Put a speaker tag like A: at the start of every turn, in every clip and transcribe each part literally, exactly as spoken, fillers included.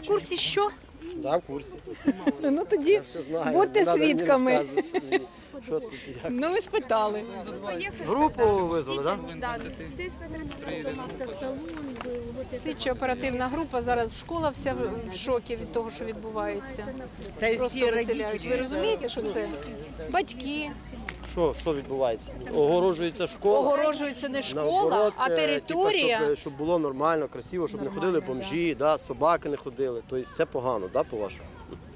A: в курсі що?
B: Да, в курсі.
A: Ну тоді
B: Я все знаю.
A: будьте
B: Не надо мені
A: свідками.
B: розказувати мені, що тут і як.
A: Ну ви спитали.
B: Групу визвали, так?
C: Да, естественно, транспортом автосалон был. Вот это.
A: Слідчо-оперативна група зараз в школа вся в- в шокі від того, що відбувається.
D: Та й
A: Просто
D: всі
A: виселяють.
D: родителі.
A: Ви розумієте, що це батьки,
B: Що, що відбувається? Огорожується школа.
A: огорожується не школа,
B: Наоборот,
A: а
B: е,
A: територія.
B: типа, щоб, щоб було нормально, красиво, щоб не ходили бомжі, да, собаки не ходили. Тобто це погано, да, по-вашому?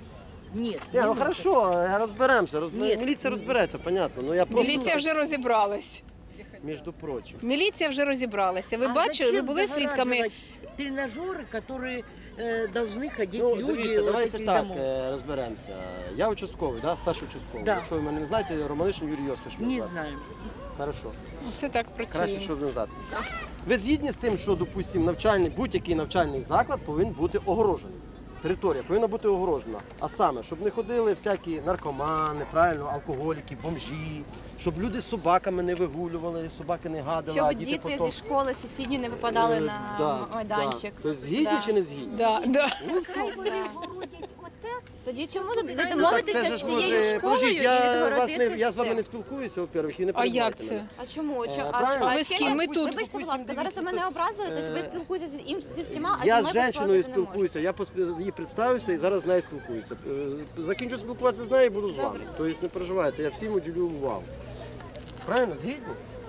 D: Ні,
B: Ні, ну хорошо, розберемося. Розбер...
D: Ні.
B: Міліція розбереться, понятно. Ну я просто,
A: Міліція вже розібралась.
B: між прочим.
A: Міліція вже розібралася. Ви
D: А
A: бачили, ви
D: зачем
A: були свідками?
D: загораживать тренажеры, которые э, должны ходить
B: Ну,
D: люди
B: дивіться,
D: вот
B: давайте
D: таких
B: так
D: домов.
B: е, розберемося. Я участковий, да, старший участковий.
D: Да.
B: Якщо ви мене не знаєте, Романишин Юрій Йосифович. мене
D: Не
B: звати.
D: знаю.
B: Хорошо.
A: Це так
B: Краще,
A: працює.
B: щоб не знати. Ви згідні з тим, що, допустимо, навчальний, будь-який навчальний заклад повинен бути огорожений. Територія повинна бути огорожена. А саме, щоб не ходили всякі наркомани, правильно, алкоголіки, бомжі, щоб люди з собаками не вигулювали, собаки не гадили, а
E: Щоб
B: діти
E: діти
B: потім...
E: зі школи сусідні не випадали
B: Е,
E: на
B: да,
E: майданчик.
B: Да. Тобто згідні
E: Да.
B: чи не згідні?
A: Да, да.
C: Хай вони городять отак.
E: Тоді чому тут
B: Ну, так
E: домовитися
B: це ж
E: з
B: може-
E: цією школою
B: Подождіть,
E: і
B: я, вас
E: відгородити
B: не, я з вами
E: все?
B: не спілкуюся, во-первых, і не
A: А як
B: перебивайте
A: це?
B: мене.
E: А чому? Чо-
B: Е,
E: а,
B: правильно.
E: а
A: Ви з
E: ще
A: ким?
E: ні?
A: Ми тут.
E: Вибачте, будь ласка, зараз ви мене образили, тобто ви спілкуєтеся з іншим зі всіма, а
B: Я
E: зі
B: з
E: мною
B: жінкою
E: поспілкуватися не можете.
B: спілкуюся, я пос- їй представився і зараз з нею спілкуюся. Е, Закінчу спілкуватися з нею і буду з вами. Тобто не переживайте, я всім уділю увагу. Правильно? Згідні?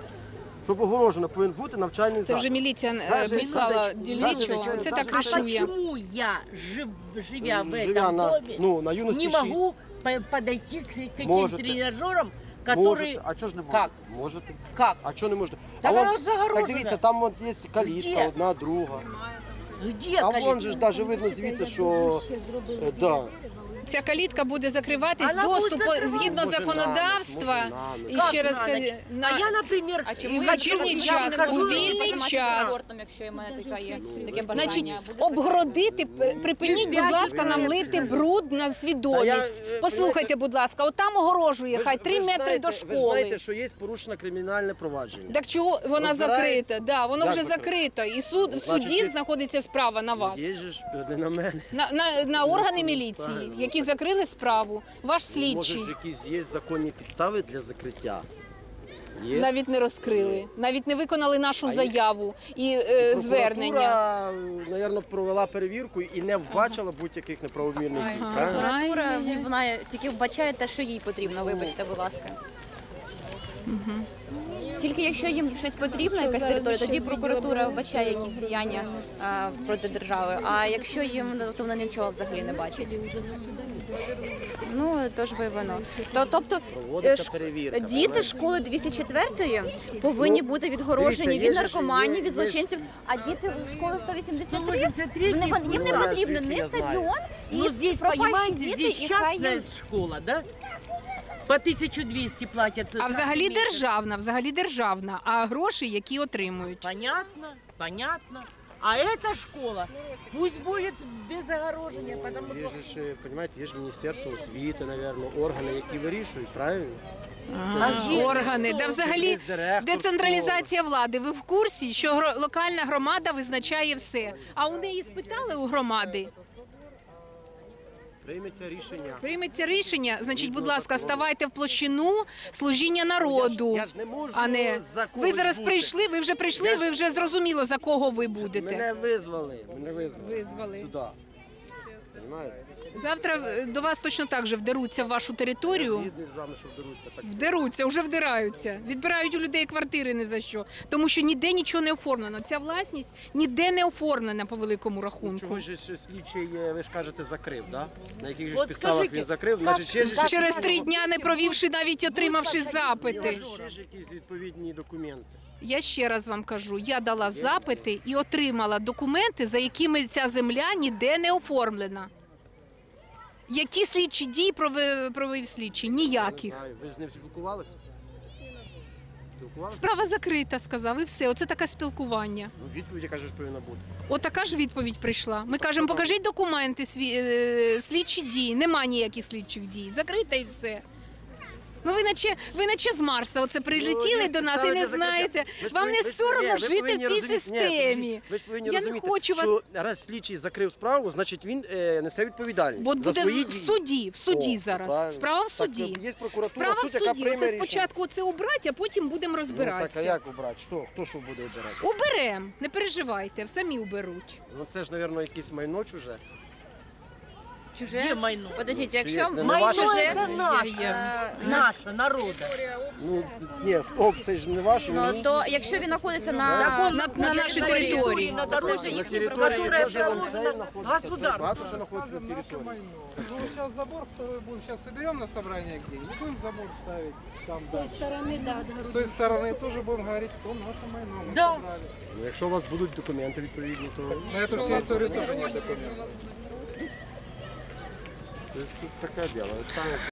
B: Щоб огорожено повинен бути навчальний
A: Це
B: заклад.
A: вже міліція е,
B: Даже-
A: прислала
B: даже-
A: дільничого.
B: даже-
A: Це
B: даже-
A: так
D: А
A: ришує.
D: почему я, жив, живя в
B: Живя
D: этом
B: на,
D: доме,
B: ну, на юності
D: не
B: шість.
D: могу по- подойти к таким
B: Можете.
D: тренажерам, которые...
B: Можете. А чого ж не можете?
D: Как?
B: Можете.
D: Как?
B: А чого не можете?
D: Та
B: а
D: вона
B: вон,
D: загорожена.
B: так дивіться, там от є калітка,
D: Де?
B: одна, друга.
D: Где
B: А
D: калитка?
B: вон же ж навіть видно звідси, що... е, Да.
A: Ця калітка буде закриватись,
D: Вона
A: доступ
D: буде закриватись.
A: згідно
B: Може,
A: законодавства.
B: на ніч, може, на ніч.
A: І
D: Как
A: ще раз
D: на
A: скажу,
D: ніч?
A: на-
D: А я, например,
E: А
A: І
E: чому
A: в
E: я
A: вечірній
E: не
A: час,
E: можу
A: у вільний
E: займатися
A: час.
E: спортом, якщо в мене така є таке бажання?
A: Значить, обгородити, п- припиніть, будь ласка, нам лити бруд на свідомість.
B: Та я, е,
A: Послухайте, будь ласка, отам огорожує,
B: Ви ж-
A: хай
B: ви
A: три
B: ж
A: метри
B: знаєте-
A: до
B: Ви ж знаєте,
A: школи.
B: що є порушено кримінальне провадження.
A: Так чого вона
B: Розбирається?
A: закрита? Да, воно
B: Як
A: вже
B: закрита?
A: закрито. І суд, в
B: Значить,
A: суді
B: ви-
A: знаходиться справа на вас.
B: Є же ж не на мене.
A: На, на, на органи міліції,
B: Правильно.
A: які закрили справу. Ваш
B: Може
A: слідчий
B: ж якісь є законні підстави для закриття? Є.
A: навіть не розкрили, навіть не виконали нашу
B: А їх-
A: заяву і е, звернення.
B: Прокуратура, мабуть, провела перевірку і не вбачила будь-яких неправомірних дій. Правильно?
E: Прокуратура, вона тільки вбачає те, що їй потрібно, вибачте, будь ласка. Тільки якщо їм щось потрібно, якась територія, тоді прокуратура вбачає якісь діяння а, проти держави. А якщо їм, то вони нічого взагалі не бачать. Ну, то ж ви воно. То, тобто,
B: Проводиться
E: е, ш-
B: перевірка,
E: діти
B: правильно?
E: школи двісті четвертої повинні
B: Ну,
E: бути відгорожені
B: дивіться, є
E: від
B: ж-
E: наркоманів,
B: є-
E: від
B: є ж-
E: злочинців, а діти школи сто вісімдесят три,
D: сто вісімдесят три
E: вони, вон- їм не
B: знаєш,
E: потрібно
B: звідки
E: ні
B: я знаю.
E: стадіон, і
D: Ну, здесь,
E: пропащі
D: понимаете,
E: діти,
D: здесь
E: і хай їм...
D: частная школа, да? По тысячу двести платят.
A: А
D: каждый
A: взагалі
D: месяц.
A: державна, взагалі державна, а гроші, які отримують.
D: Понятно, понятно. А эта школа пусть будет без огорожения, потому
B: Є
D: что...
B: ж, ж, понімаєте, є ж Міністерство освіти, мабуть, органи, які вирішують, правильно?
A: А,
D: є-
A: органи, да взагалі
B: Є директор
A: децентралізація влади. Ви в курсі, що гро- локальна громада визначає все. А у неї спитали у громади.
B: Прийметься рішення.
A: Прийметься рішення, значить, будь ласка, ставайте в площину служіння народу.
B: Я ж не можу
A: А не
B: за когось
A: ви зараз
B: бути.
A: прийшли, ви вже прийшли,
B: Я ж-
A: ви вже зрозуміло, за кого ви будете.
B: Мене визвали, мене визвали.
A: Визвали.
B: Сюди. Понимаєте?
A: Завтра е, до вас точно так же вдеруться в вашу
B: Я
A: територію.
B: згідний з вами, що вдаруться. Так.
A: Вдеруться, вже вдираються. Відбирають у людей квартири ні за що. Тому що ніде нічого не оформлено. Ця власність ніде не оформлена по великому рахунку.
B: Чого ж ще слідчий, е, ви ж кажете, закрив, да? На яких же ж
D: От
B: підставах
D: скажіть,
B: він закрив?
D: як-
B: Значить, ще ж
D: як-
A: Через три дня, не провівши навіть отримавши запити.
B: ще ж якісь відповідні документи.
A: Я ще раз вам кажу, я дала запити і отримала документи, за якими ця земля ніде не оформлена. Які слідчі дії провів, провів слідчий? Ніяких.
B: Не знаю, ви з ним спілкувалися? Спілкувалися?
A: Справа закрита, сказав, і все. Оце таке спілкування.
B: Ну, відповідь, яка ж повинна бути.
A: Отака ж відповідь прийшла. Ми кажемо, покажіть документи, сві- е, слідчі дії. Нема ніяких слідчих дій. Закрита і все. Ну ви наче, ви наче з Марса оце прилетіли
B: Ну,
A: до нас і не
B: ставите
A: знаєте.
B: закриття. Ви ж
A: Вам
B: повинні-
A: не
B: ви ж-
A: соромно
B: ні, ви
A: жити в
B: повинні
A: цій
B: розуміти- ні,
A: системі.
B: подождіть, ви ж повинні
A: Я не
B: розуміти,
A: хочу вас-
B: що раз слідчий закрив справу, значить він е, несе відповідальність
A: От
B: за
A: буде
B: свої
A: в
B: дії.
A: суді, в суді
B: О,
A: зараз.
B: правильно.
A: Справа в
B: Так,
A: суді.
B: є прокуратура,
A: Справа в
B: суд, яка
A: суді.
B: прийме
A: Оце
B: рішення.
A: спочатку це обрати, а потім будемо
B: Ну, так, а
A: розбиратися.
B: як обрати? Що? Хто що буде обирати?
A: Уберем, не переживайте, самі уберуть.
B: Ну це ж, мабуть, якесь майно чуже.
E: Чуже?
D: Где майно?
E: Подождіть,
B: Чи
E: якщо
B: є? Не
D: Майно
B: ваше?
E: чуже,
D: это наше.
E: е, на-
D: Наше, народа.
B: Ну, ні, стоп, це ж не ваше,
E: ну,
B: ні.
E: то якщо він знаходиться
D: Так
E: на,
D: он
A: На- на нашій території.
D: На
E: Це вже
D: дороге,
E: їхні
B: території
D: которая
B: теж вон
D: положена
B: цей знаходиться,
D: государству.
B: багато що знаходиться на території.
F: Ну, сейчас забор второй будем. Сейчас соберем на собрание где и будем забор ставить там
C: З тої
F: дальше.
C: сторони, да, от
F: С той стороны тоже будем говорить, то наше майно. Мы
D: Да.
F: собрали.
B: Ну, якщо у вас будуть документи відповідні, то
F: На эту территорию тоже нет документов.
B: Тобто тут таке діло. Там